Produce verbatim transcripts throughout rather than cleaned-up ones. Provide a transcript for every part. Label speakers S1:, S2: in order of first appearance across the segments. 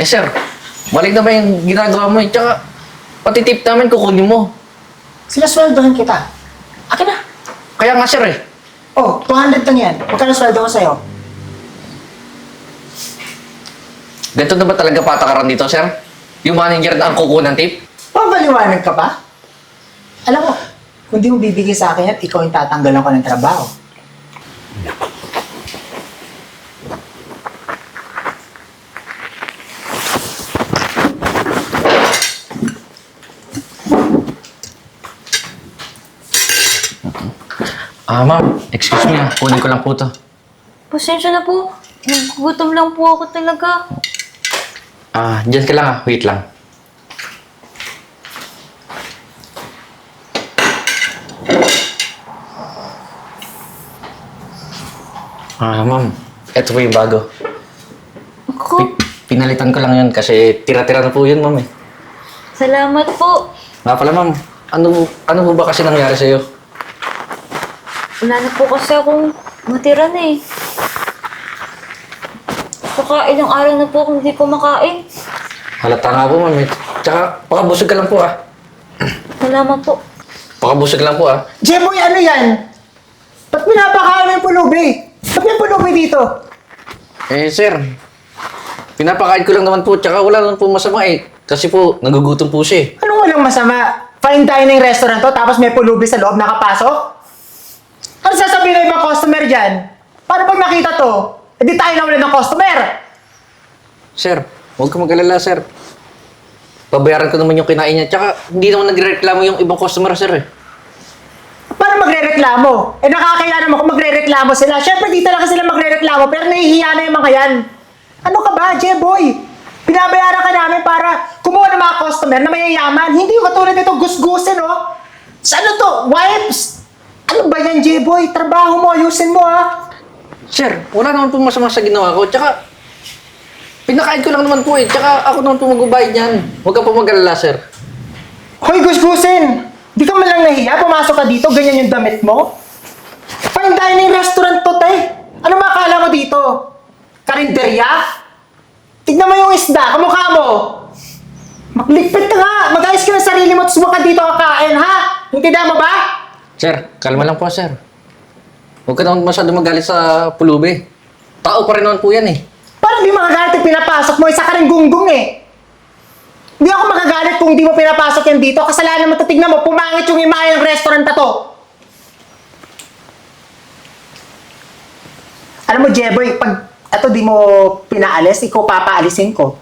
S1: Eh, sir, balik na ba yung ginagawa mo eh? Tsaka, pati tip namin kukunin mo.
S2: Sinasweldohan kita. Akin na.
S1: Kaya nga, sir eh.
S2: Oh, two hundred lang yan. Magkano sweldo ko sa'yo?
S1: Ganito na ba talaga patakaran dito, sir? Yung manager na ang kukunan tip?
S2: Pabaliwanag ka pa? Alam mo, kung di mo bibigay sa akin yan, ikaw yung tatanggalan ko ng trabaho.
S1: Ah, ma'am. Excuse me ah. Kunin ko lang po to.
S3: Pasensya na po. Nagugutom lang po ako talaga.
S1: Ah, dyan ka lang ah. Wait lang. Ah, ma'am. Ito po yung bago.
S3: Ako,
S1: Pi- pinalitan ko lang yun kasi tira-tira na po yun, ma'am eh.
S3: salamat po.
S1: Nga pala, ma'am. Ano, ano po ba kasi nangyari sa'yo?
S3: Wala na po kasi akong matira na eh. Saka ilang araw na po akong hindi kumakain.
S1: Halata nga po, ma'am eh. Tsaka, pakabusog ka lang po ah.
S3: Salamat po.
S1: Pakabusog lang po ah.
S2: Jeboy, ano yan? Ba't pinapakain mo yung pulubi? Ba't may pulubi dito?
S1: Eh, sir. Pinapakain ko lang naman po. Tsaka wala naman po masama eh. Kasi po, nagugutom po siya eh.
S2: Anong walang masama? Fine dining restaurant to, tapos may pulubi sa loob nakapasok? Ano sasabihin ng ibang customer dyan? Paano pag nakita to? Hindi tayo nawalan ng customer.
S1: Sir, huwag ka mag-alala, sir. Babayaran ko naman yung kinain niya. Tsaka, hindi naman nagreklamo yung ibang customer, sir eh.
S2: Paano magre-reklamo? Eh nakakaya naman kung magre-reklamo sila. Siyempre di talaga sila magre-reklamo, pero nahihiya na yung mga yan. Ano ka ba, Jeboy? Binabayaran ka namin para kumuha ng mga customer na mayayaman. Hindi yung katulad nito gusgusin, oh. Sa ano to? Wipes? Ano ba yan, Jeboy? Trabaho mo, ayusin mo, ha?
S1: Sir, wala naman po masama sa ginawa ko. Tsaka, pinakain ko lang naman po eh. Tsaka, ako naman po magbabayad niyan. Huwag ka po mag-alala, sir.
S2: Hoy, gusgusin! Di ka man lang nahiya, pumasok ka dito, ganyan yung damit mo? Fine dining restaurant to, te. Ano makakala mo dito? Karinderya? Tignan mo yung isda, kamukha mo. Magligpit ka nga, mag-ayos ka ng sarili mo, tapos huwag ka dito kakain, ha? Intindihan mo ba?
S1: Sir, kalma lang po, sir. Huwag ka naman masyado magalit sa pulubi. Tao pa rin naman po yan eh.
S2: Parang di makagalit yung pinapasok mo, isa ka rin gunggong eh. Hindi ako makagalit kung di mo pinapasok yan dito. Kasalanan mo, tignan mo, pumangit yung imahe ng restaurant na to. Alam mo, Jeboy, pag ito di mo pinaalis, ikaw papaalisin ko.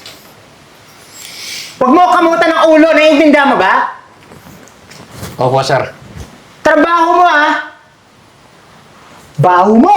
S2: Huwag mo kamutan ng ulo, naiintindihan mo ba?
S1: Opo, sir.
S2: Trabaho mo, ha? Baho mo!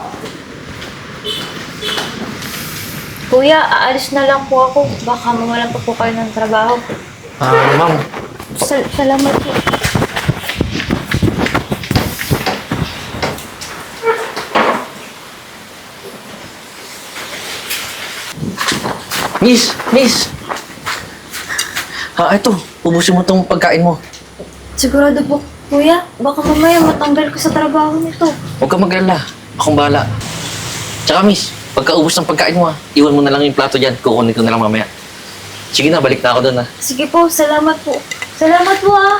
S3: Kuya, aalis na lang po ako. Baka mawalan pa po kayo ng trabaho.
S1: Ah, ma'am.
S3: Sal- salamat po.
S1: Miss! Miss! Ah, ito. Ubusin mo tong pagkain mo.
S3: Sigurado po, kuya. Baka mamaya matanggal ko sa trabaho nito.
S1: Huwag ka mag-alala. Akong bahala. Tsaka, miss, pagkaubos ng pagkain mo, ah, iwan mo na lang yung plato dyan. Kukunin ko na lang mamaya. Sige na, balik na ako doon, ah.
S3: Sige po, salamat po. Salamat po ah.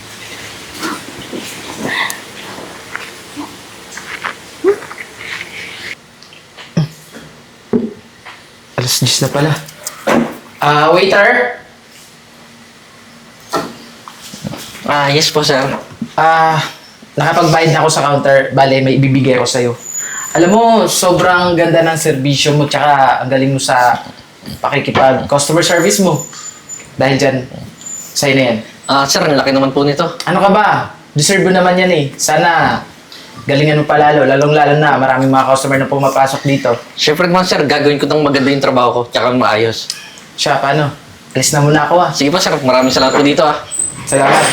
S4: Alas diyes na pala. Ah, waiter?
S1: Ah, yes po, sir.
S4: Ah, nakapagbayad na ako sa counter. Bale, may ibibigay ko sa'yo. Alam mo, sobrang ganda ng serbisyo mo tsaka ang galing mo sa pakikipag customer service mo. Dahil dyan, sa'yo na yan.
S1: Ah, sir, ang laki naman po nito.
S4: Ano ka ba? Deserve mo naman yan eh. Sana galingan mo pa lalo, lalong-lalo na maraming mga customer na pumapasok dito.
S1: Siyempre naman, sir, gagawin ko ng maganda yung trabaho ko, tsaka maayos.
S4: Siya, paano? Alis na muna ako ah.
S1: Sige po, sir. Maraming salamat po dito, ah.
S4: Salamat.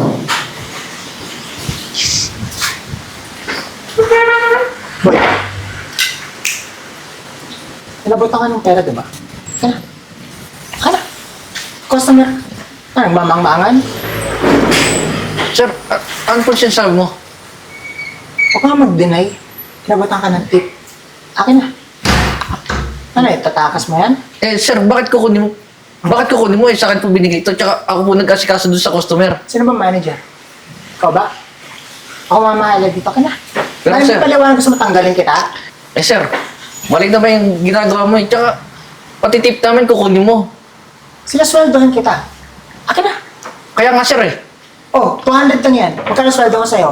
S2: Boy. Inabutan ka ng pera, diba? Kana. Kana. Customer. Ano, mamang-maangan?
S1: Sir, ah, ano po sinasabi mo?
S2: Huwag ka mag-deny. Inabutan ka ng tip. Akin na. Ano eh, tatakas mo yan?
S1: Eh, sir, bakit kukunin mo? Bakit kukunin mo? Eh, sa akin po binigay ito. Tsaka ako po nagkasikaso doon sa customer.
S2: Sino ba manager? Ikaw ba? Ako mamahala dito ka na.
S1: Pero,
S2: Ano
S1: sir-
S2: yung paliwanag gusto mo tanggalin kita?
S1: Eh, sir, mali na ba yung ginagawa mo? Eh, tsaka, pati tip namin kukunin mo.
S2: Sinasweldohan kita. Akin na.
S1: Kaya nga, sir, eh.
S2: Oh, two hundred lang yan. Magkano sweldo ko sa'yo?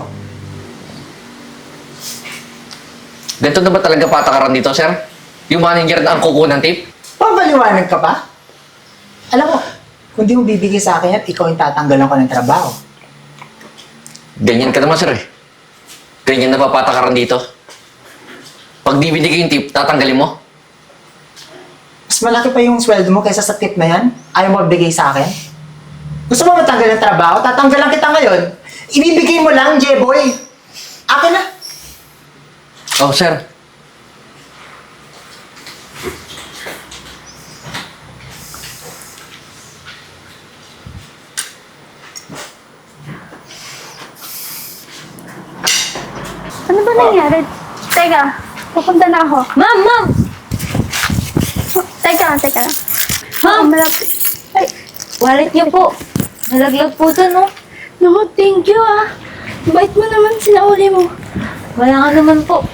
S1: Ganito na ba talaga patakaran dito, sir? Yung manager na ang kukuha ng tip?
S2: Pabaliwanag ka pa? Alam mo, kung di mo bibigay sa akin yan, ikaw yung tatanggalan ko ng trabaho.
S1: Ganyan ka naman, sir, eh. Ganyan na ba patakaran dito? Pag di binigay yung tip, tatanggalin mo?
S2: Mas malaki pa yung sweldo mo kaysa sa tip na yan. Ayaw mo bigay sa akin? Gusto mo matanggal ng trabaho? Tatanggalan kita ngayon. Ibibigay mo lang, J-boy. Akin na.
S1: Oh, sir.
S5: Ano ba nangyari? Teka, pupunta na ako.
S3: Ma'am, ma'am!
S5: Teka, teka.
S3: Ma'am!
S5: Malapit. Ay,
S3: Wallet niyo po. Nalaglag po dun, no?
S5: no, thank you ah. Bait mo naman, sinauli mo.
S3: Wala nga naman po.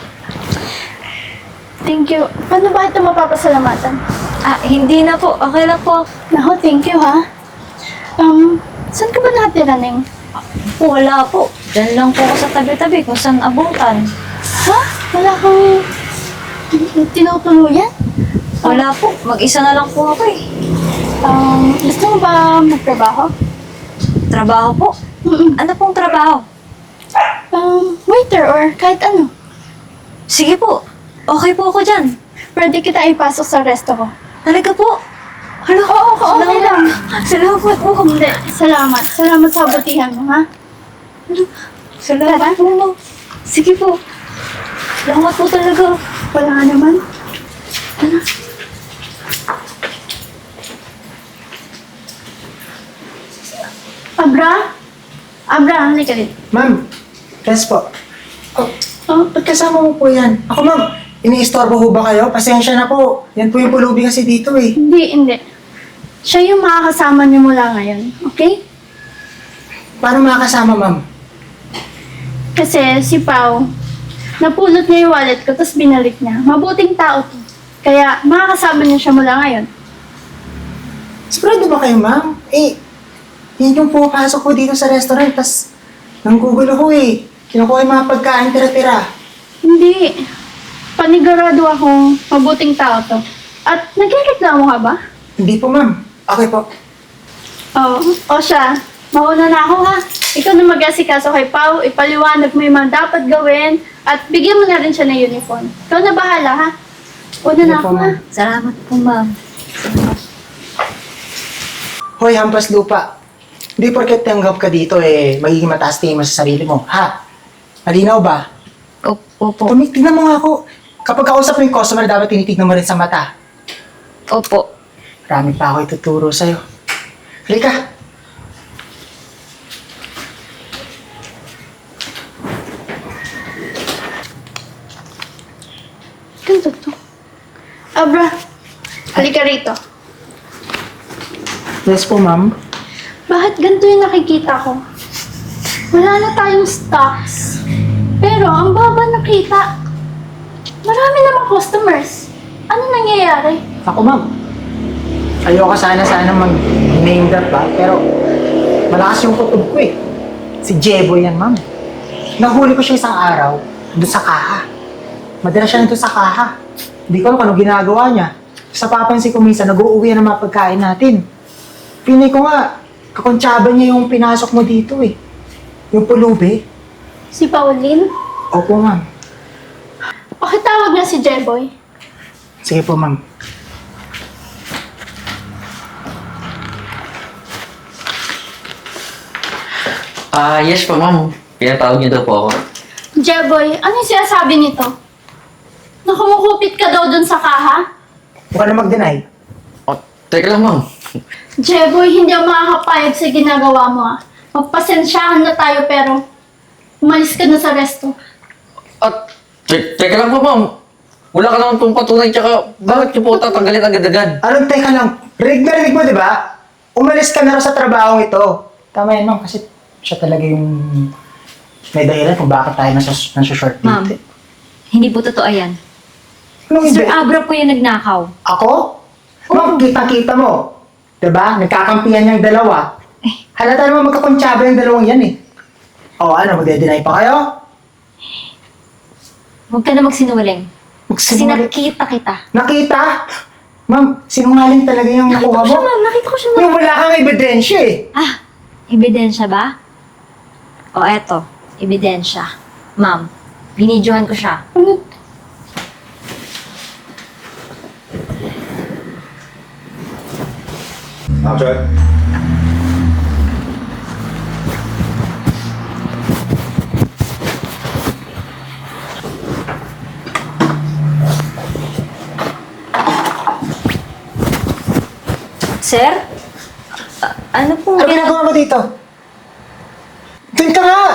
S5: Thank you. Paano ba ito mapapasalamatan?
S3: Ah, hindi na po. Okay lang po.
S5: Naku, thank you ha. Um, saan ka ba natira, Neng?
S3: Po, wala po. Diyan lang po ako sa tabi-tabi kung saan abutan.
S5: Ha? Wala kang tinutuluyan?
S3: Wala po. Mag-isa na lang po ako eh.
S5: Um, gusto mo ba magtrabaho?
S3: Trabaho po.
S5: Mm-mm.
S3: Ano pong trabaho?
S5: Um, waiter or kahit ano.
S3: Sige po. Okay po ako dyan.
S5: Pwede kita ipasok sa resto ko.
S3: Talaga po. Hala,
S5: Oo, oo, okay lang.
S3: Salamat po.
S5: Hindi, salamat. Salamat sa kabutihan mo, ha?
S3: Salamat
S5: Tara.
S3: po, ma'am. Sige po. Salamat po talaga.
S5: Wala nga naman. Abra? Abra, halika dito.
S2: Ma'am, yes po. Oh, oh, ba't kasama mo po yan? Ako ma'am, iniistorbo ho ba kayo? Pasensya na po. Yan po yung pulubi kasi dito eh.
S5: Hindi, hindi. Siya yung makakasama niyo mula ngayon, okay?
S2: Paano makakasama ma'am?
S5: Kasi si Pao, napulot niya yung wallet ko, tapos binalik niya. Mabuting tao to. Kaya makakasama niya siya mula ngayon.
S2: Sigurado ba kayo ma'am? Eh, yan yung pumapasok ko dito sa restaurant, tas nanggugulo ko eh. Kinukuha yung mga pagkain tira-tira.
S5: Hindi. Panigurado akong mabuting tao to. At nagreklamo ka ba?
S2: Hindi po ma'am. Okay po.
S5: Oo. O siya, mauna na ako ha. Ikaw na mag-asikaso kay Pao, ipaliwanag mo yung mga dapat gawin, at bigyan mo na rin siya ng uniform. Ikaw na bahala ha. Una na
S2: Sige po,
S5: ako ha.
S2: ma'am.
S3: Salamat po, ma'am.
S2: Hoy, hampas lupa. Hindi porket tanggap ka dito eh, magiging mataas tingin mo sa sarili mo. Ha? Malinaw ba?
S3: Opo. Opo.
S2: Tumik, tignan mo nga ako. Kapag kausap mo yung customer, dapat tinitignan mo rin sa mata.
S3: Opo.
S2: Marami pa ako ituturo sa'yo. Halika.
S5: Ganito to. Abra, halika rito.
S2: Yes po, ma'am.
S5: Bakit ganito yung nakikita ko? Wala na tayong stocks. Pero ang baba na kita. Marami namang customers. Ano nangyayari?
S2: Ako, ma'am. Ayoko sana sana mag-name drop ba, pero malakas yung kutob ko eh. Si Jebo yan, ma'am. Nahuli ko siya isang araw doon sa kaha. Madala siya nandun sa kaha. Hindi ko alam kung ano ginagawa niya. Sa papansin ko minsan, nag-uuwi na ng mga pagkain natin. Pinay ko nga, kakontsaba niya yung pinasok mo dito eh. Yung pulubi.
S5: Si Pauline?
S2: Opo, ma'am.
S5: Pakitawag na si Jeboy.
S2: Sige po, ma'am.
S1: Ah, yes po, ma'am. Pinatawag niyo daw po ako.
S5: Jeboy, ano yung sinasabi nito? Nakumukupit ka daw dun sa kaha?
S2: Huwag ka na mag-deny.
S1: Oh, teka lang, ma'am.
S5: Jeboy, hindi ako makakapayag sa ginagawa mo ah. Magpasensyahan na tayo pero umalis ka na sa resto.
S1: At, te- teka lang po, ma'am. Wala ka naman pong patunay, tsaka bakit niyo po tatanggalin agad-agad?
S2: Anong teka lang? Rinig na rinig mo, di ba? Umalis ka na rin sa trabahong ito. Tama yan, ma'am, kasi siya talaga yung may dahilan kung bakit tayo nasa, nasa short date.
S3: Ma'am, hindi po totoo yan.
S2: Anong
S3: Sir
S2: hindi?
S3: Abra po yung nagnakaw.
S2: Ako? Ma'am, kita-kita mo. Diba? Nagkakampihan yung dalawa. Halata naman magkakontsaba yung dalawang yan eh. O ano, magde-deny pa kayo?
S3: Huwag ka na magsinungaling. Kasi
S2: Magsinungaling.
S3: nakita kita.
S2: Nakita? Ma'am, sinungaling talaga yung nakuha
S3: Nakita ko siya,
S2: mo.
S3: ma'am. Nakita ko siya, ma'am.
S2: Yung wala kang ebidensya eh.
S3: Ah, ebidensya ba? O eto, ebidensya. Ma'am, binidyohan ko siya.
S6: Action.
S3: Sir? A- ano pong
S2: Ano ginagawa mo dito? Doon ka nga!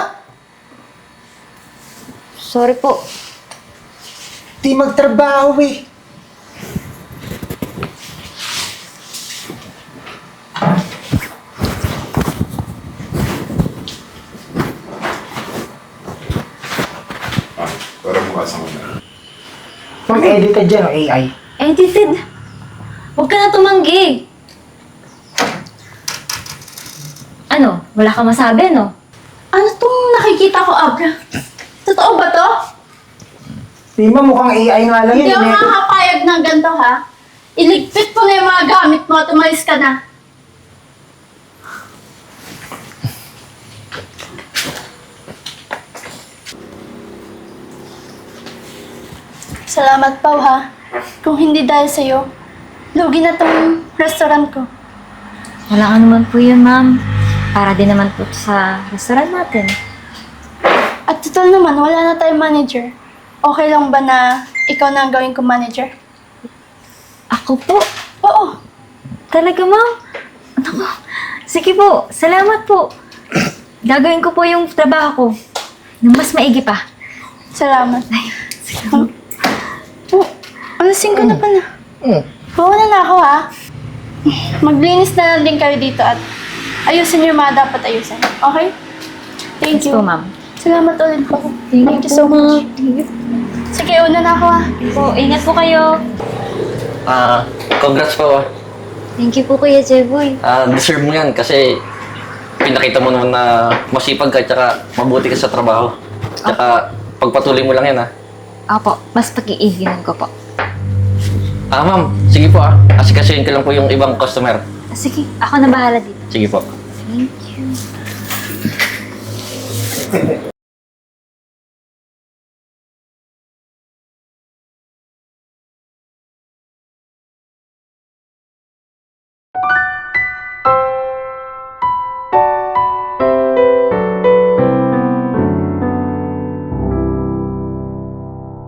S3: Sorry po.
S2: Di magtrabaho eh.
S6: Ah, para mukha sa kanya.
S2: Ma'am, edited dyan o A I.
S3: Edited. Huwag ka na tumanggi. Ano? Wala ka masabi, no?
S5: Ano tong nakikita ko, Abra? Totoo ba to?
S2: Di ba mukhang A I nga lang
S5: Hindi
S2: yan.
S5: ako
S2: eh.
S5: nakakapayag ng ganito, ha? Iligpit mo na yung mga gamit mo at umalis ka na. Salamat, Pao, ha? Kung hindi dahil sa'yo, lugi na tong restaurant ko.
S3: Wala ka naman po yun, ma'am. Para din naman po sa restaurant natin.
S5: At total naman, wala na tayong manager. Okay lang ba na ikaw na ang gawin kong manager?
S3: Ako po?
S5: Oo.
S3: Talaga, ma'am? Naku, sige po. Salamat po. Gagawin ko po yung trabaho ko. Nang mas maigi pa.
S5: Salamat. Um, oh, alasing ko na pala.
S2: Mm.
S5: Bawa na ako, ha? Maglinis na lang din kayo dito at ayusin yung mga dapat ayusin. Okay? Thank
S3: Yes
S5: you.
S3: po, ma'am.
S5: Salamat ulit po.
S3: Thank,
S5: you so much. Sige, una na ako, ha?
S3: Po, ingat po kayo.
S1: Ah, congrats po. ah.
S3: Thank you po, Kuya Jeboy.
S1: Ah, deserve mo yan kasi pinakita mo naman na masipag ka tsaka mabuti ka sa trabaho. Tsaka pagpatuloy mo lang yan ah.
S3: Opo, mas pag-iiginan ko po.
S1: Ah, ma'am, sige po ah. Asikasuhin ko lang po yung ibang customer.
S3: Sige, ako na bahala dito.
S1: Sige po.
S3: Thank you.